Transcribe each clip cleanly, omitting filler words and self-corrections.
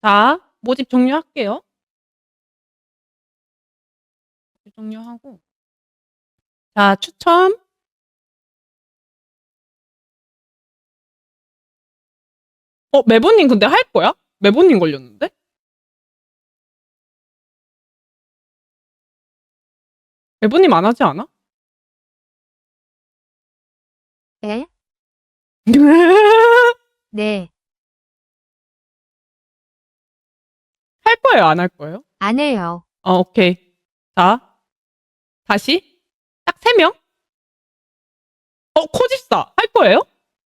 자, 모집 종료할게요. 종료하고. 자, 추첨. 메보님 근데 할 거야? 메보님 걸렸는데? 메보님 안 하지 않아? 에? 네. 할 거예요, 안 할 거예요? 안 해요. 오케이. 자, 다시. 딱 3명? 코집사. 할 거예요?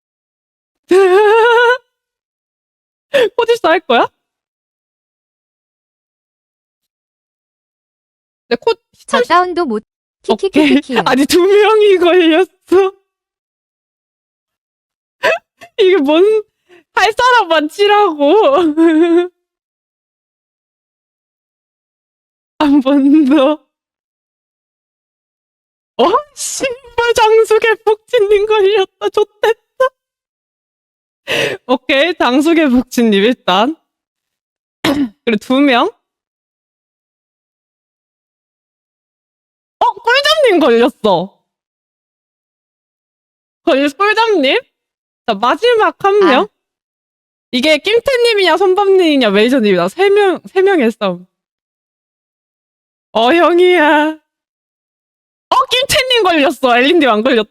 코집사 할 거야? 네, 저 다운도 못. 오케이. 키키키키키. 아니, 2명이 걸렸어. 이게 할 사람만 치라고. 한 번 더. 신발 장수개 복진님 걸렸다. 좋댔다. 오케이, 장수개 복진님 일단. 그리고 2명. 꿀잠님 걸렸어. 꿀잠님? 자, 마지막 1명. 이게 낌태님이냐, 손밤님이냐, 메이저님이냐. 3명의 싸움. 형이야. 낌태님 걸렸어. 엘린님 안 걸렸다.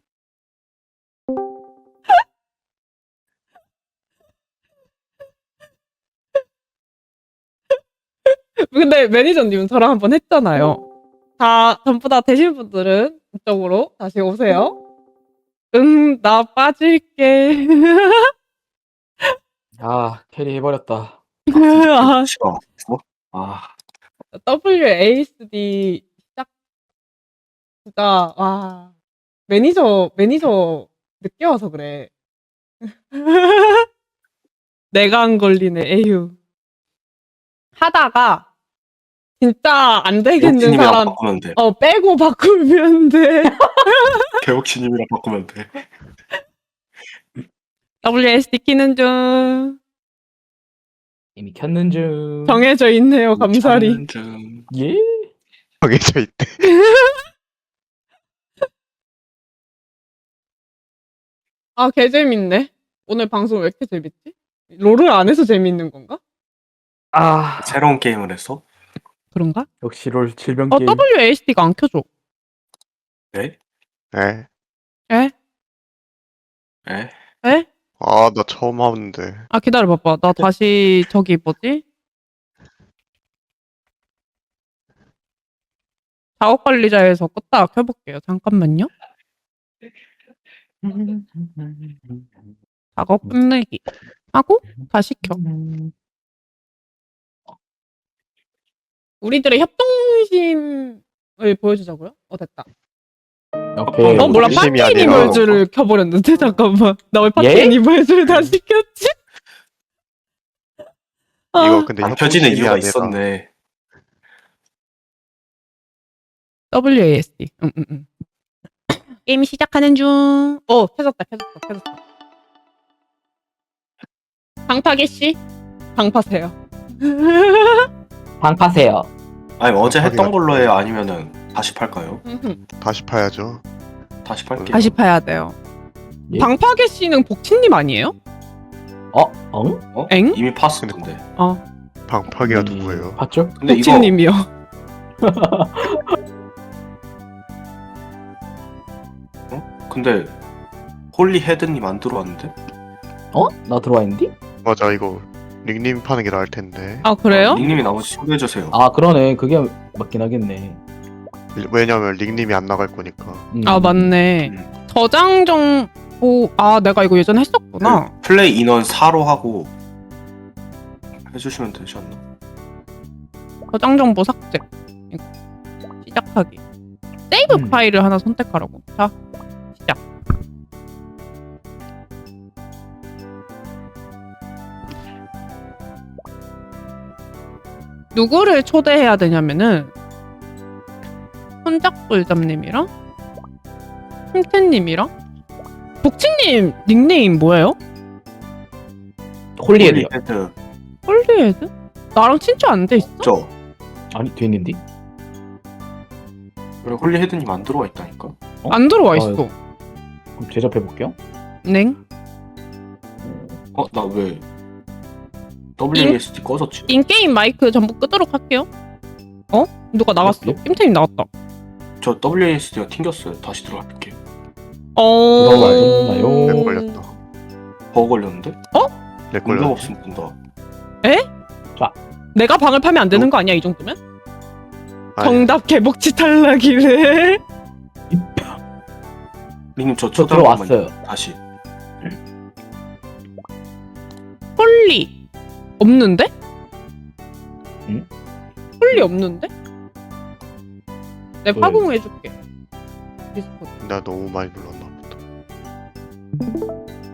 근데 매니저님은 저랑 한번 했잖아요. 전부 다 되신 분들은 이쪽으로 다시 오세요. 나 빠질게. 캐리 해버렸다. 싫어. WASD 시작. 진짜, 와. 매니저 늦게 와서 그래. 내가 안 걸리네, 에휴. 하다가, 진짜 안 되겠는 개복치님이랑 사람, 바꾸면 돼. 빼고 바꾸면 돼. 개복치님이랑 바꾸면 돼. WASD 키는 중. 이미 켰는 중. 정해져 있네요, 감사리. 예? 정해져 있대. 개 재밌네. 오늘 방송 왜 이렇게 재밌지? 롤을 안 해서 재밌는 건가? 새로운 게임을 했어? 그런가? 역시 롤 질병 게임. WASD가 안 켜져. 네? 에? 에? 에? 에? 나 처음 하는데. 기다려봐봐. 나 다시 뭐지? 작업관리자에서 껐다가 켜볼게요. 잠깐만요. 작업 끝내기 하고 다시 켜. 우리들의 협동심을 보여주자고요? 됐다. 오케이. 몰라. 협동심이 파티 아니라- 애니멀즈를 켜버렸는데 잠깐만. 나 왜 파티 예? 애니멀즈를 다시 켰지? 이거 근데 안 켜지는 협동심이 이유가 아니라 있었네. WASD. 게임 시작하는 중. 켜졌다. 방파개 씨, 방파세요. 방파세요. 아니 어제 했던 방파기가- 걸로 해요? 아니면은 다시 팔까요? 다시 파야죠. 다시 팔게요. 다시 파야 돼요. 예? 방파개 씨는 복친님 아니에요? 응? 엥? 이미 팠을 텐데. 방파기가 누구예요? 봤죠? 근데 이거 복친님이요. 근데 홀리 헤드님 안 들어왔는데? 나 들어와 있는데? 맞아, 이거 닉님 파는 게 나을 텐데. 그래요? 닉님이 나머지 신고해주세요. 그러네. 그게 맞긴 하겠네. 왜냐면 닉님이 안 나갈 거니까. 맞네. 음. 저장 정보. 내가 이거 예전에 했었구나. 플레이 인원 4로 하고 해주시면 되지 않나? 저장 정보 삭제. 이거. 시작하기. 세이브 파일을 하나 선택하라고. 자, 시작. 누구를 초대해야 되냐면은 손잡꿀잠님이랑 흠태님이랑 복치님 닉네임 뭐예요? 홀리에요. 헤드. 홀리헤드? 나랑 친추 안 돼 있어? 저 아니 돼 있는데? 왜 홀리 헤드님 안 들어와 있다니까? 안 들어와 아, 있어. 그럼 제접해 볼게요. 냉? 나 왜 WASD 꺼졌지? 인게임 마이크 전부 끄도록 할게요. 어? 누가 나갔어? 예? 김태님 나갔다. 저 WASD가 튕겼어요. 다시 들어갈게. 들어가셨나요? 렉 걸렸다. 버그 걸렸는데? 렉 능력 걸렸네. 없으면 된다. 내가 방을 파면 안 되는 거 아니야 이 정도면? 아니, 정답 개복치 탈락이래. 리님 저 저 초대 한 번만 들어왔어요. 다시. 홀리 없는데? 응? 홀리 없는데? 내 왜? 파공해줄게. 디스코드. 나 너무 많이 눌렀나 보다.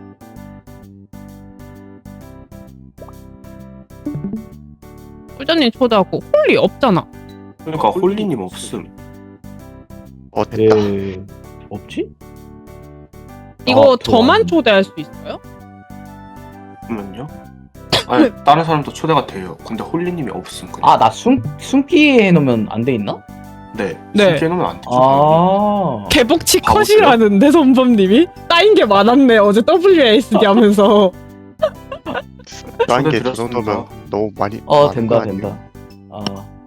꿀자님 초대하고 홀리 없잖아. 그러니까 홀리님 없음. 됐다. 없지? 이거 아, 저만 초대할 수 있어요? 그러면요? 아니 다른 사람도 초대가 돼요. 근데 홀리님이 없음. 그냥. 아 나 숨기 해놓으면 안 돼 있나? 네. 네. 숨게 해놓으면 안 되죠. 아 개복치 아, 컷이라는데 선범님이? 따인 게 많았네 어제 WASD 하면서. 딴 게 저 드렸습니다. 정도면 너무 많이. 많은 된다 거 아니에요? 된다. 아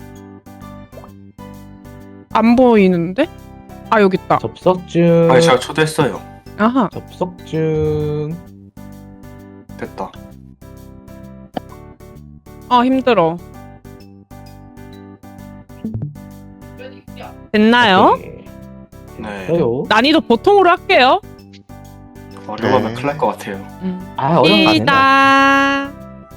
안 보이는데? 아 여기 있다. 접속증. 아니 제가 초대했어요. 아하. 접속증. 됐다. 아 힘들어. 됐나요? 오케이. 네. 돼요. 난이도 보통으로 할게요. 어려우면 네. 큰일 날 것 같아요. 아 어려운 거 아닌데. A다.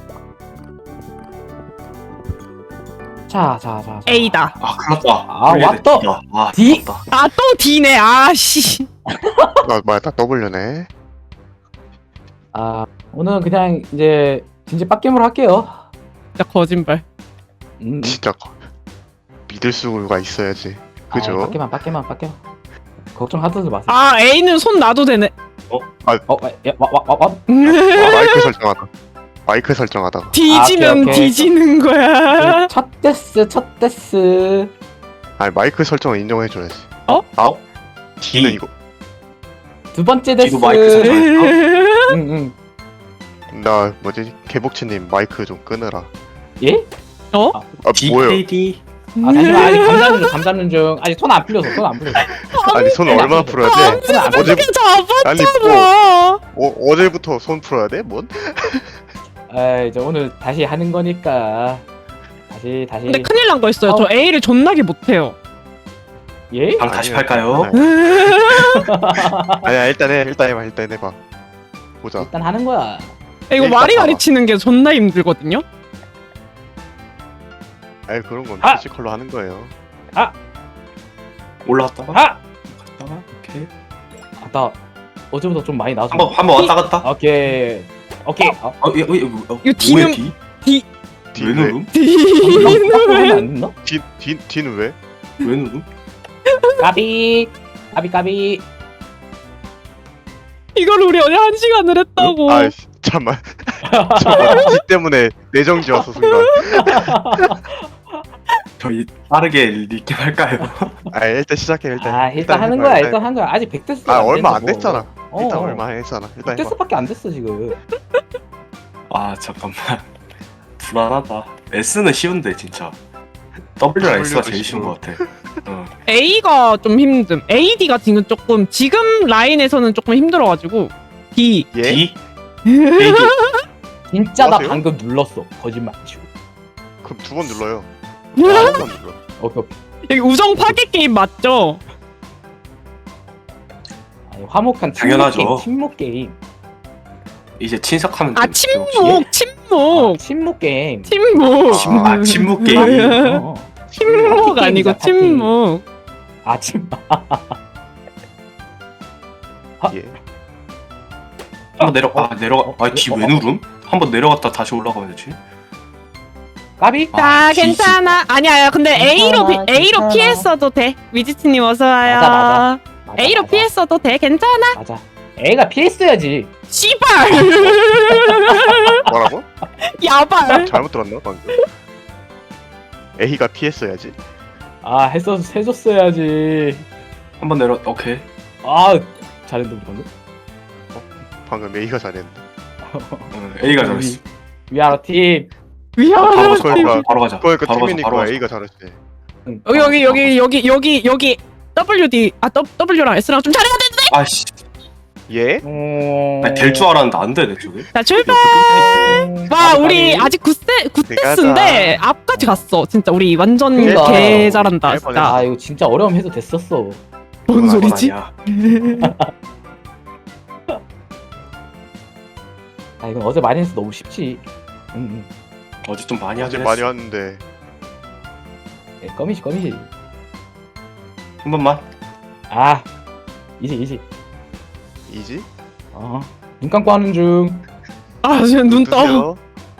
자. A다. 아 큰일났다. 아, 홀리 왔다. D다. 아 D. 됐다. 아 또 D네. 아씨. 뭐야, 나 W네. 아 오늘은 그냥 이제 진짜 빡겜으로 할게요. 진짜 거짓말. 진짜 믿을 수가 있어야지. 그죠? 빡겜만. 걱정하지 마세요. 아 A는 손 놔도 되네. 와. 마이크 설정하다. 마이크 설정하다가. 뒤지면 오케이. 뒤지는 거야. 첫 데스. 아니 마이크 설정을 인정해줘야지. 어? D는 D. 이거. 두 번째 데스. D도 마이크 설정. 응. 나 뭐지 개복치님 마이크 좀 끊으라. 예? 어? 아 뭐예요? DKD. 아 잠시만 아직 감 잡는 중. 아직 손 안 풀려서. 아니 손 얼마나 풀어야 돼? 손 안 풀려. 어떻게 아니 잡았잖아. 어제부터 손 풀어야 돼? 뭔? 아 이제 오늘 다시 하는 거니까. 다시. 근데 큰일 난 거 있어요. 저 A를 존나게 못해요. 예? 방 다시 할까요? 아니야 일단 해봐. 보자. 일단 하는 거야. 이거 일단 와리가리 봐봐. 치는 게 존나 힘들거든요. 아니 그런 건 아! 피지컬로 하는 거예요. 올라왔다가 아! 갔다가 오케이. 나 어제부터 좀 많이 나왔어. 한번 왔다 갔다. 오케이. 이거 D는- D. 왜 누름? D는 안 됐나? D는 왜? 왜 누름? 까비. 이걸 우리 어제 1시간을 했다고. 아 잠만. D 때문에 내정지 왔어 순간. 저희 빠르게 리캡 할까요? 아 일단 시작해 일단. 일단 하는 해봐, 거야. 일단 한 거야. 아직 100데스. 아 얼마 안 됐잖아. 일단 어. 얼마 안 했잖아. 일단 해봐. 100데스밖에 안 됐어 지금. 아 잠깐만. 불안하다. S는 쉬운데 진짜. W랑 S가 제일 쉬운 것 같아. A가 좀 힘듦. AD가 지금 라인에서는 조금 힘들어가지고 D. 예? D? AD. 진짜 나 뭐하세요? 방금 눌렀어. 거짓말 치고. 그럼 2번 눌러요. 한 번 눌러. 오케이. 여기 우정 파괴 게임 맞죠? 아니, 화목한 당연하죠. 침묵 게임. 이제 친석하면 아 돼. 침묵. 침묵 게임. 침묵. 침묵 게임. 어. 침묵 파티 아니고 게임이다, 파티. 침묵. 예. 한번 내려가. 아 D 왜 누름? 한번 내려갔다 다시 올라가면 되지. 까비? 아 D. 괜찮아. 아니야. 근데 A로 괜찮아. 피했어도 돼. 위지트님 어서 와요. 맞아. A로 피했어도 돼. 괜찮아. 맞아. A가 피했어야지. 씨발. 뭐라고? 야발. 잘못 들었나 방금? A가 피했어야지. 아 해줬어야지. 한번 내려. 오케이. 아 잘했는데 방금. 방금 A가 잘했는데. A가 잘했어. 위아래 팀. 미안해. 그러니까 바로 가자. 그러니까 바로 가자. 팀이니까 바로 가자. A가 잘했지. 응. 여기 WD W랑 S랑 좀 잘해야 되는데. 아씨. 예? 될 줄 알았는데 안 돼, 내 쪽에. 자 출발. 와 우리 아직 9세스인데 앞까지 갔어. 진짜 우리 완전 그러니까. 개 잘한다. 할 진짜. 아 이거 진짜 어려움 해도 됐었어. 뭔 소리지? 아니야. 아 이건 어제 많이 해서 너무 쉽지. 응. 어제 좀 많이 어제 하긴 많이 했어. 왔는데. 껌이지. 한 번만. 아 이지. 이지? 눈 감고 하는 중. 아 지금 눈 떠. 뜨세요.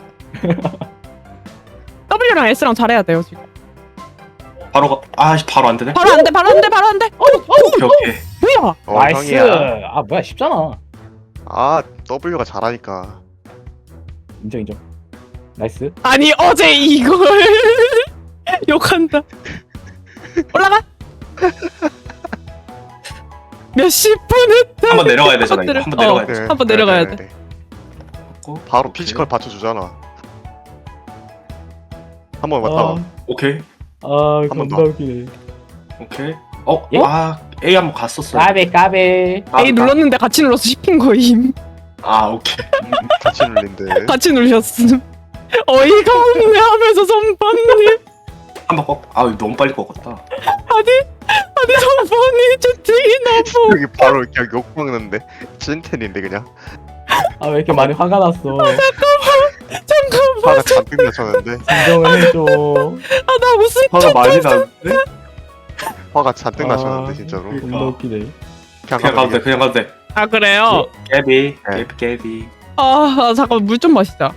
W랑 S랑 잘해야 돼요 지금. 바로 가. 아씨, 바로 안 되네. 바로 안 돼. 오케이, 오케이. 뭐야? 나이스. 형이야. 아 뭐야 쉽잖아. 아 W가 잘하니까. 인정. 나이스. 아니 어제 이걸 욕한다. 올라가. 몇십 분 했다. 한번 내려가야 되잖아. 이거. 한번 내려가야 돼. 한번 내려가야 돼. 바로 오케이. 피지컬 받쳐주잖아. 한번 왔다. 오케이. 아 번 겁나 더. 웃기네. 오케이. 예? A 한번 갔었어. 까베. A 눌렀는데 같이 눌러서 씹힌 거임. 아, 오케이. 같이 눌린데. 같이 누르셨음. 어이가 없네 하면서 선반님. 한번 꺾. 아, 너무 빨리 꺾었다. 아니 선반님 채팅이 너무. 여기 바로 그냥 욕 먹는데. 찐텐인데 그냥. 아 왜 이렇게 많이 화가 났어. 잠깐만. 화가 잔뜩 나쳤는데. 진정을 해줘. 아 나 무슨 화가 많이 나는데? 화가 잔뜩 아. 나쳤는데 진짜로. 겁나 웃기네. 그냥 가도 돼. 그냥 가도 돼. 아 그래요? 깨비. 네. 깨비. 아 잠깐 물 좀 마시자.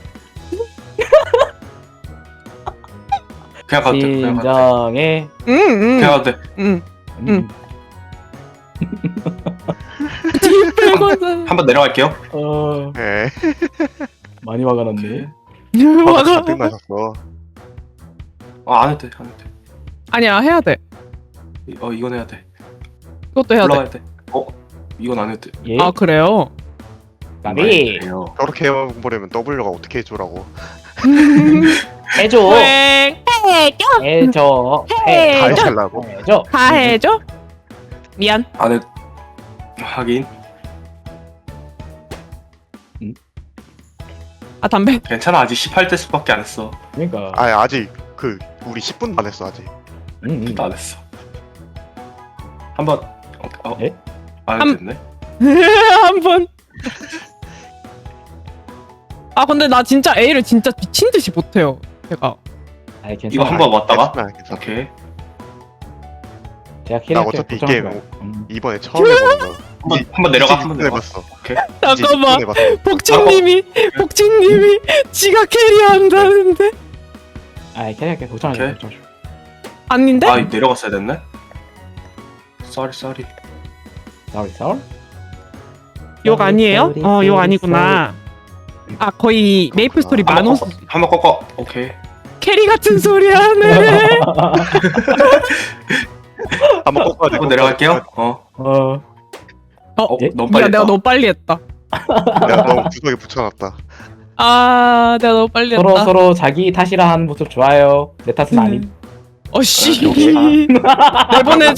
그냥 가도 돼. 그냥 가도 돼. 진정해. 응응. 그냥 가도 돼. 응. 응. 빼고는. 한번 내려갈게요. 예. 많이 화가 났네. 화가 화가. 잔뜩 나셨어. 안 해도 돼. 안 해도 돼. 아니야 해야 돼. 이건 해야 돼. 이것도 해야 돼. 올라가야 돼. 이건 안 해도 돼. 예. 아 그래요? 까비. 그래요. 저렇게 해보려면 W가 어떻게 해줘라고. 해줘. 왜 해줘? 해줘. 다 해줘. 해달라고. 해줘. 다 해줘? 미안. 안 해. 하긴. 아 담배. 괜찮아. 아직 18대 수밖에 안 했어. 그러니까. 아 아직 그 우리 10분도 안 했어 아직. 응. 안 했어. 한번. 예? 안 됐네. 한 번. 아 근데 나 진짜 A를 진짜 미친 듯이 못해요. 제가. 아이 괜찮아. 이거 한번 왔다가. 괜찮아, 괜찮아. 오케이. 제가 나 캐릭터 어차피 이 걱정하지 게임 마. 이번에 처음 해보는 거야. 한번 내려가. 한번 내려가. 해봤어. 잠깐만. 해봤어. 복진님이 지가 캐리한다는데 아이 캐릭터 걱정하지 마. 오케이. 걱정하지 마. 아닌데? 아, 내려갔어야 됐네. 쏘리. 싸울? 욕 아니에요? 욕 아니구나. 아 거의 메이플 스토리 만호 한번 꺾어. 오케이. 캐리 같은 소리 하네. 한번 꺾어야 돼. 한번 내려갈게요. 예? 너무 미안 빨리 내가 했다. 너무 빨리 했다. 내가 너무 구석에 붙여놨다. 아 내가 너무 빨리 했다. 서로 자기 탓이라 하는 모습 좋아요. 내 탓은 아님. 어씨. 역시. 내보내줘?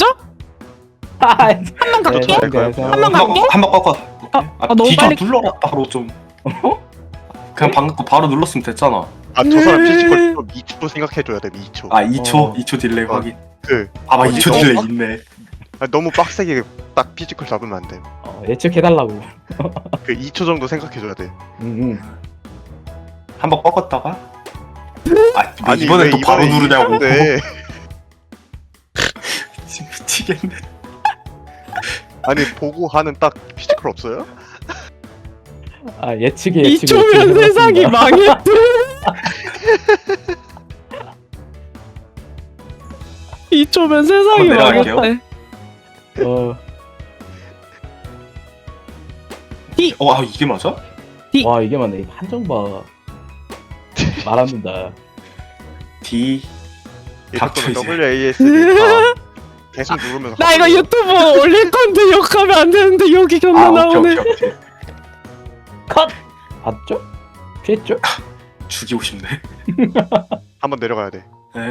한번 갈게. 한번 갈게. 한번 꺾어. 너무 뒤져 빨리- 눌러라 바로 좀. 그냥 방금 거 바로 눌렀으면 됐잖아. 아 저 사람 피지컬 좀 2초 생각해줘야 돼. 2초. 2초 딜레이 어. 확인. 그 2초 너무 딜레이 빡- 있네. 너무 빡세게 딱 피지컬 잡으면 안 돼. 예측해달라고. 그 2초 정도 생각해줘야 돼. 응. 한번 꺾었다가. 아니, 이번엔 왜 또 바로 이번에 누르냐고. 네. 미치겠네. 아니 보고 하는 딱 피지컬 없어요? 아 예측이 2초면 세상이 망했다. 2초면 세상이 한번 내려갈게요. 망했다. 아 이게 맞아? 와 이게 맞네. 한정 봐. 말 안 된다. D 이 닥쳐, 속도는 이제. WASD니까 계속 누르면서 나 이거 유튜브 올릴 건데 욕하면 안 되는데 여기 견나 아 오케이 나오네. 오케이 오케이. 컷. 봤죠? 피했죠? 죽이고 싶네. 한번 내려가야 돼. 네.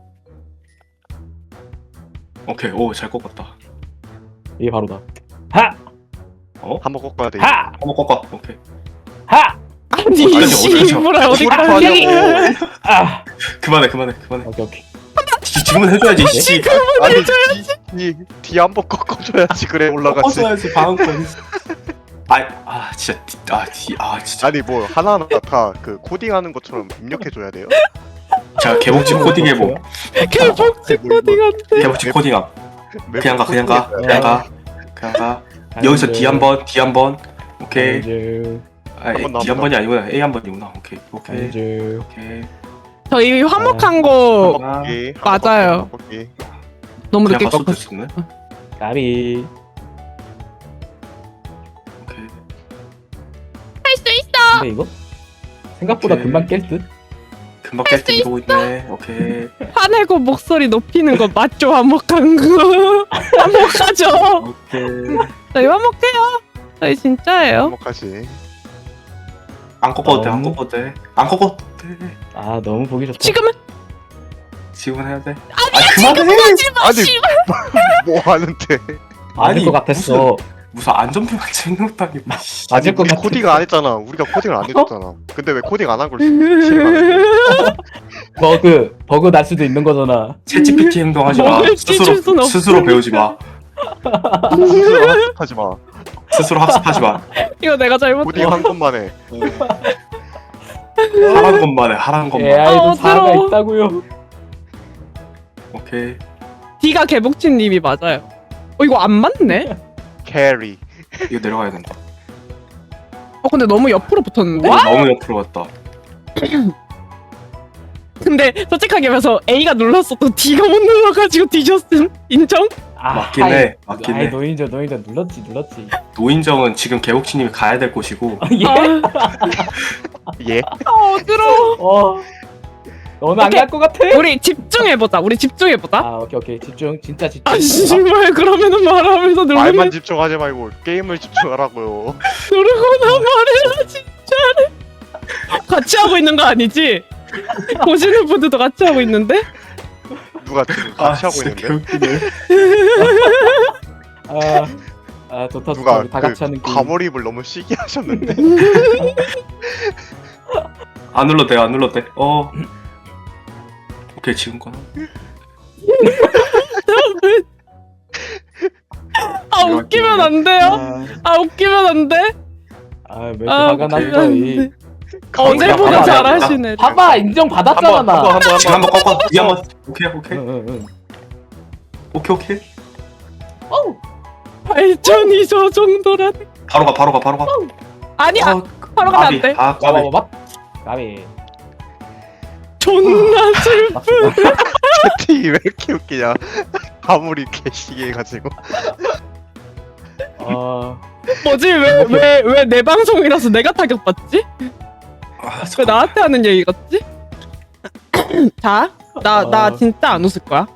오케이 오잘 꺾었다. 이게 바로다. 하! 한번 꺾어야 돼. 하! 한번 꺾어. 오케이. 하! 아니 어디까지, 씨부라 어디까지? 어디까지? 아! 그만해. 오케이. 지금은 해줘야지. 씨. 아니 뒤 한번 꺾어줘야지 그래 올라가지. 꺾어줘야지 방어권. 진짜. 아니 뭐 하나하나 다 그 코딩하는 것처럼 입력해줘야 돼요. 제가 개복치 코딩 해보. 개복치 코딩한테. 개복치 코딩함. 그냥 가. 그냥 가. 여기서 D 한 번. 오케이. 안주. 한번 D 한 번이 아니구나. A 한 번이구나. 오케이. 안주. 저희 화목한 거 아, 맞아요. 너무 그냥 늦게 갔어도 꺾었어. 됐었네. 까비. 오케이. 할 수 있어. 근데 이거 생각보다 오케이. 금방 깰 듯. 금방 깰 때 이러고 있네. 오케이. 화내고 목소리 높이는 거 맞죠? 화목한 거. 화목하죠. 오케이. 저희 화목해요. 저희 진짜예요. 한목하지. 안 꺾어도 돼. 안 꺾어도 돼. 안 꺾어도 돼. 아 너무 보기 좋다. 지금은 해야 돼. 지금 그만해. 하지 마. 아니. 씨발. 뭐 하는데? 맞을 것 같았어. 무슨 안전표만 찍는 것도 아니고. 맞을 것 우리 같았어. 코딩 안 했잖아. 우리가 코딩을 안 해줬잖아. 근데 왜 코딩 안 한 걸 싫어하는 버그 날 수도 있는 거잖아. 챗GPT 행동하지 마. 먹을 찢을 순 없어. 스스로 배우지 마. 하지 마. 스스로 학습하지 마. 이거 내가 잘못. 코딩 한 것만 해. 하란 것만 해. 하란 것만. AI도 아, 사가 어지러워. 있다고요. 오케이. D가 개복치님이 맞아요. 이거 안 맞네. 캐리. 이거 내려가야 된다. 근데 너무 옆으로 붙었는데. 너무 옆으로 갔다. 근데 솔직하게 말해서 A가 눌렀어도 D가 못 눌러가지고 뒤졌음. 인정? 맞긴 해. 맞긴 아이 해. 노인정 눌렀지. 노인정은 지금 개복치님이 가야 될 곳이고. 예? 예. 어지러워. 너는 안 오케이. 갈 것 같아? 우리 집중해보자. 아 오케이 집중 진짜 집중. 아 씨발 그러면은 말하면서 말만 누르면 집중하지 말고 게임을 집중하라고요. 누르고나 말해라 진짜래. 같이 하고 있는 거 아니지? 보시는 분들도 같이 하고 있는데? 누가 지금 같이 하고 진짜 있는데? 개웃기네. 아 좋다 누가 다 같이 하는 그 게임. 과몰입을 너무 시기 하셨는데? 안 눌러도 돼. 안 눌러도 돼. 오케이 지금 거나. 아 웃기면 안 돼요? 아 웃기면 안 돼? 아왜 이렇게 아 화가 오케이. 났어 이. 어제보다 봐봐, 잘하시네. 봐봐 인정 받았잖아 나. 지금 한번 꺾어. 이 한번. 오케이. 응. 오케이. 발전이 저 정도란. 바로 가. 아니야. 바로 가면 안 돼. 까비. 봐봐. 까비. 존나 슬. 채팅이 왜 이렇게 웃기냐? 과몰입 개시기 해가지고. 뭐지? 왜 내 방송이라서 내가 타격받지? 왜 나한테 하는 얘기 같지? 자, 나 진짜 안 웃을 거야.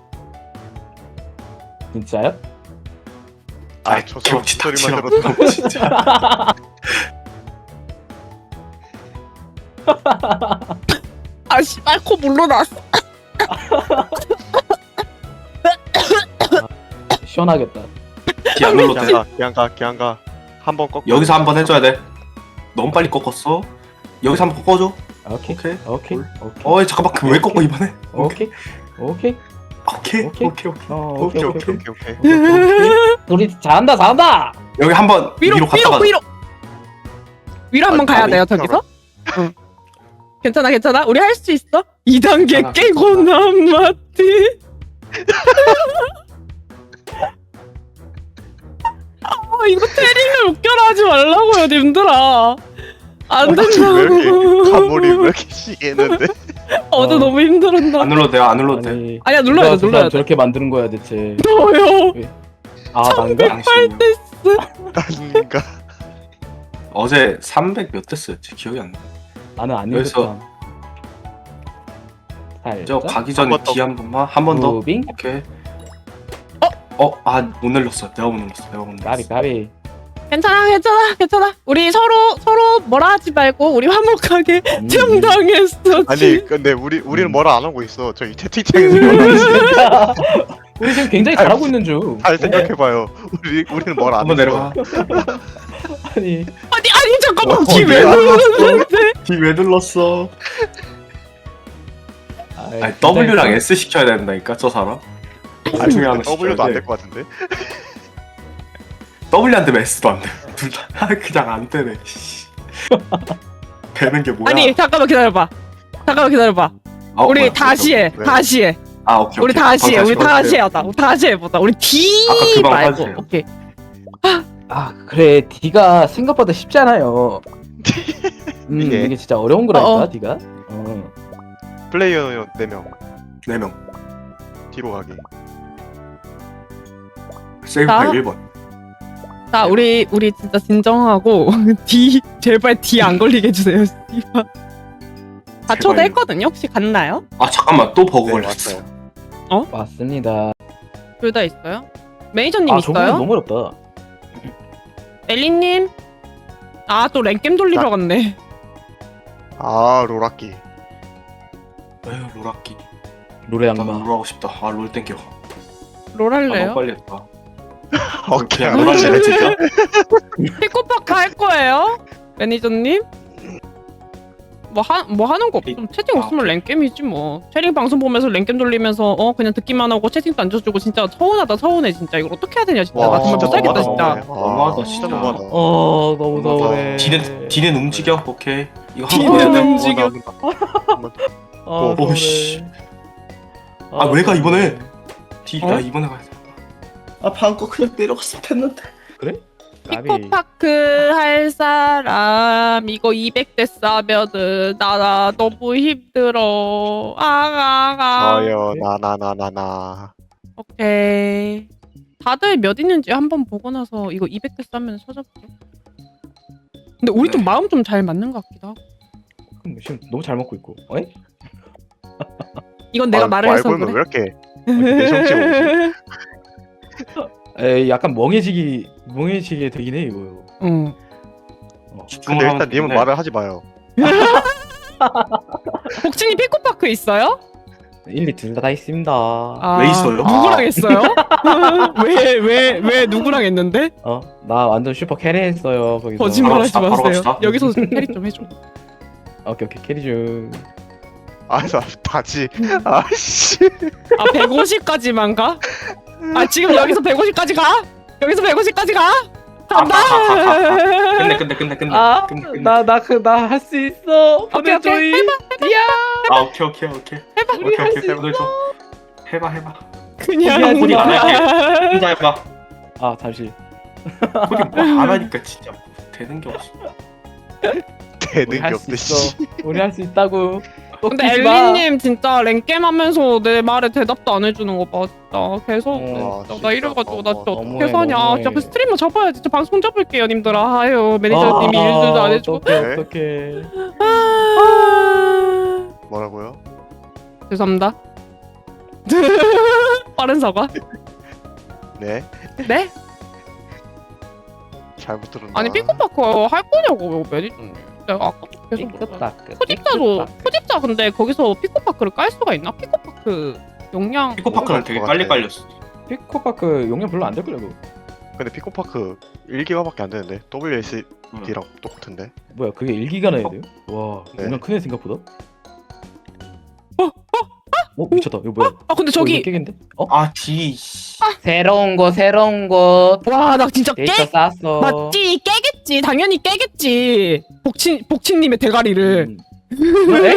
진짜요? 아, 저 소리만 닥치라고. 들어도 진짜. 아 씨발 코 물러났어. 시원하겠다. 뒤안 눌러도 돼. 그냥 가. 한번 꺾어. 여기서 한번 해줘야 돼. 너무 빨리 꺾었어. 여기서 한번 꺾어줘. 오케이. 오케이. 잠깐만. 왜 꺾어 이번에? 오케이. 오케이. 오케이. 우리 잘한다. 여기 한번 위로 갔다가. 위로 한번 가야 돼요 저기서. 응. 괜찮아. 우리 할 수 있어. 2단계 괜찮아, 깨고 남았디. 이거 태링을 웃겨라 하지 말라고요 님들아. 안 된다고. 과몰입 왜 이렇게 시기 했는데? 어제 너무 힘들었나. 안 눌러도 돼. 아니, 아니야 눌러야 돼. 저렇게 만드는 거야 대체. 너요. 아 난가? 당신이요. 아닌가? 어제 300 몇 대스였지 기억이 안 나. 나는 안 그래서- 읽었다. 저 살짝. 가기 전에 한번 더. D 한 번만 한 번 더. 무빙? 오케이. 못 눌렀어. 내가 못 눌렀어. 까비 까비. 괜찮아. 우리 서로 뭐라 하지 말고 우리 화목하게 정당했어. 아니 근데 우리는 뭐라 안 하고 있어. 저희 채팅창에서 뭐라 하지? 우리 지금 굉장히 잘하고 있는 중. 잘 생각해봐요. 우리는 뭐라 안 한번 했어. 내려가. 아니 아니 잠깐만 어, 기회 어디야? 누르는데. D 왜 눌렀어? 아이, 아니 진짜 W랑 이거- S 시켜야 된다니까 저 사람. 아니 중에 하나 W도 시켜야 안 돼. 될 것 같은데. W 안 되면 S도 안 돼. 둘 다 그냥 안 되네. 씨. 되는 게 뭐야? 아니 잠깐만 기다려봐. 우리 뭐야, 다시 해. 왜? 다시 해. 오케이. 우리 다시 해. 우리 다시 하자. 우리 다시 해보자. 우리 D 아까 그 방 말고. 봐주세요. 오케이. 아 그래 D가 생각보다 쉽지 않아요. 이게. 이게 진짜 어려운 거라니까 어. D가. 플레이어 4명 4명. 뒤로 가기. 세이브 자. 1번. 자 우리 진짜 진정하고 D 제발 D 안 걸리게 해주세요. 씨발. 다 제발요. 초대했거든요. 혹시 갔나요? 잠깐만 또 버그 네 걸렸어. 왔어요. 맞습니다. 둘 다 있어요? 매니저님 아 저거 있어요? 너무 어렵다. 엘리님? 또 랭겜 돌리러 갔네. 아 롤악기. 에휴 롤악기. 노래 나 악마. 롤하고 싶다. 롤 땡겨. 롤 너무 할래요? 빨리 했다. 오케이. 그냥 롤할래 진짜? 피코파크 할 거예요? 매니저님? 뭐 하는 거 없음. 채팅 없으면 오케이. 랭겜이지 뭐. 채팅 방송 보면서 랭겜 돌리면서 그냥 듣기만 하고 채팅도 안 줘주고 진짜 서운해 진짜. 이걸 어떻게 해야 되냐 진짜. 나 정말 진짜 못 살겠다 너무하다. 진짜. 너무하다, 진짜 진짜. 너무하다. 너무 너무하다. 서운해. D는 움직여. 오케이. 이거 D는 한번 더. 움직여. 오, 씨. 왜가 이번에? D가 이번에 가야 돼. 방거 그냥 내려갔으면 됐는데. 피코파크 할 사람 이거 200대 싸면은 나 너무 힘들어. 저요 나나나나나. 오케이. 다들 몇 있는지 한번 보고 나서 이거 200대 싸면 찾아볼게. 근데 우리 좀 네. 마음 좀 잘 맞는 것 같기도 하고. 지금 너무 잘 먹고 있고. 어이? 이건 내가 말을 해서 알고 그래. 왜 이렇게 내성적 오지? 에이 약간 멍해지게 되긴 해 이거. 응. 근데 일단 님은 말을 하지 마요. 복진이 피코파크 있어요? 1, 2 둘 다 있습니다. 왜 있어요? 누구랑 했어요? 왜 누구랑 했는데? 나 완전 슈퍼 캐리 했어요 거기서. 거짓말하지 바로 마세요. 갑시다. 여기서 캐리 좀 해줘. 오케이 캐리 중. 나 다지. 아씨. 150까지만 가? 지금 여기서 150까지 가? 여기서 150까지 가? 간다. 끝내. 나 할 수 있어. 오케이, 오케이. 보내줘이. 오케이. 우리 할 수 있어. 보내줘. 해봐. 그냥 코딩 안 할게. 혼자 해봐. 잠시. 코딩 뭐안 하니까 진짜 되는 게 없어. 되는 게 우리 할 수 없대. 있어. 씨. 우리 할 수 있다고. 근데 꺾이지 마. 엘리님 진짜 랭겜 하면서 내 말에 대답도 안 해주는 거 봐. 진짜 계속 어, 진짜 나 이래가지고 나 진짜 너무해, 어떻게 사냐. 너무해. 진짜 그 스트리머 접어야지. 진짜 방송 접을게요 님들아. 아유 매니저님이 일들도 안 해주고. 어떡해. 뭐라고요? 죄송합니다. 빠른 사과. 네. 네? 잘못 들었나? 아니 피코파크 할 거냐고 매니저님. 내가 아까부터 계속 물어봐요. 포집자 근데 거기서 피코파크를 깔 수가 있나? 피코파크 용량 피코파크는 되게 빨리 깔렸어. 피코파크 용량 별로 안 될 거라고. 근데 피코파크 1기가밖에 안 되는데 WSD랑 똑같은데. 뭐야 그게 1기가 나야 돼요? 와 네. 용량 크네 생각보다. 미쳤다. 이거 뭐야? 근데 이거 저기 깨겠는데? D. 새로운 거. 와 나 진짜 데이터 쌌어. 맞지 깨겠지 당연히 깨겠지 복친님의 대가리를 네?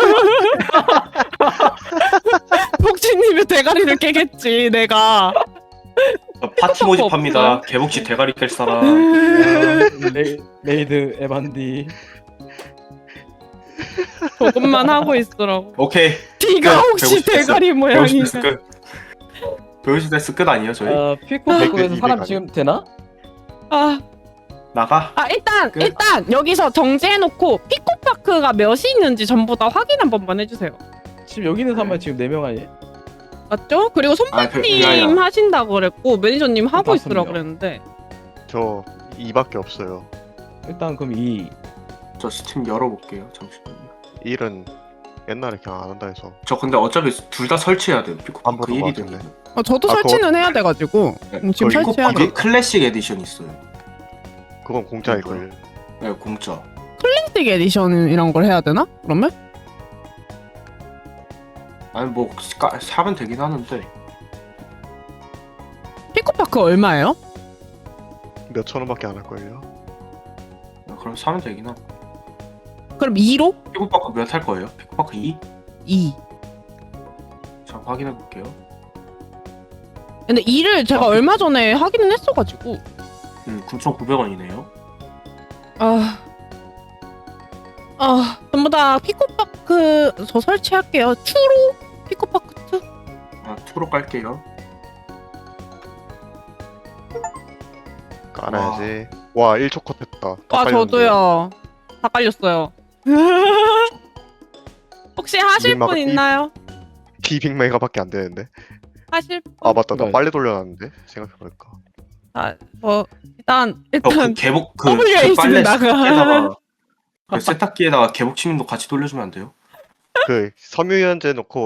복친님의 대가리를 깨겠지 내가 파티 모집합니다. 개복치 대가리 깰 사람. 레이드 에반디. 조금만 하고 있으라고 오케이. D가 혹시 150 됐어. 대가리 모양이 150 끝. 150 끝 아니에요 저희? 피코파크에서 200, 사람 200 지금 되나? 아 나가. 아 일단 그- 일단 여기서 정지해놓고 피코파크가 몇이 있는지 전부 다 확인 한 번만 해주세요. 지금 여기 있는 사람만 지금 4명 아니에요? 맞죠? 그리고 손바님 야야. 하신다고 그랬고 매니저님 하고 다섯 있으라 명. 그랬는데 저 2밖에 없어요. 일단 그럼 2. 저 스팀 열어볼게요. 잠시만요. 1은 옛날에 그냥 안 한다 해서. 저 근데 어차피 둘 다 설치해야 돼요. 피코파크 안 보는 것 1이 같은데. 되면. 저도 아, 설치는 해야 돼가지고 지금 거의 설치해야 돼. 피코파크 클래식 에디션 있어요. 그건 공짜일걸. 네, 공짜. 클래식 에디션 이런 걸 해야 되나? 그러면? 아니 뭐 사면 되긴 하는데. 피코파크 얼마예요? 몇 천 원밖에 안 할걸요. 그럼 사면 되긴 하. 그럼 2로? 피코파크 몇 할 거예요? 피코파크 2? 2. 자 확인해 볼게요. 근데 2를 제가 얼마 전에 하기는 했어가지고 9,900원이네요. 전부 다 피코파크 저 설치할게요. 2로? 피코파크 2? 아, 2로 깔게요. 깔아야지. 와 1초 컷 했다. 다 와 깔렸는데. 저도요. 다 깔렸어요. 혹시 하실 민마가 분 있나요? 200메가밖에 안 되는데. 하실 분? 아 맞다 나 이거- 빨리 돌려놨는데 생각해보니까. 저 일단 그 개복 그 WAC 는 빨래 나가. 세탁기에다가 그 세탁기에다가 개복 침입도 같이 돌려주면 안 돼요? 그 섬유유연제 넣고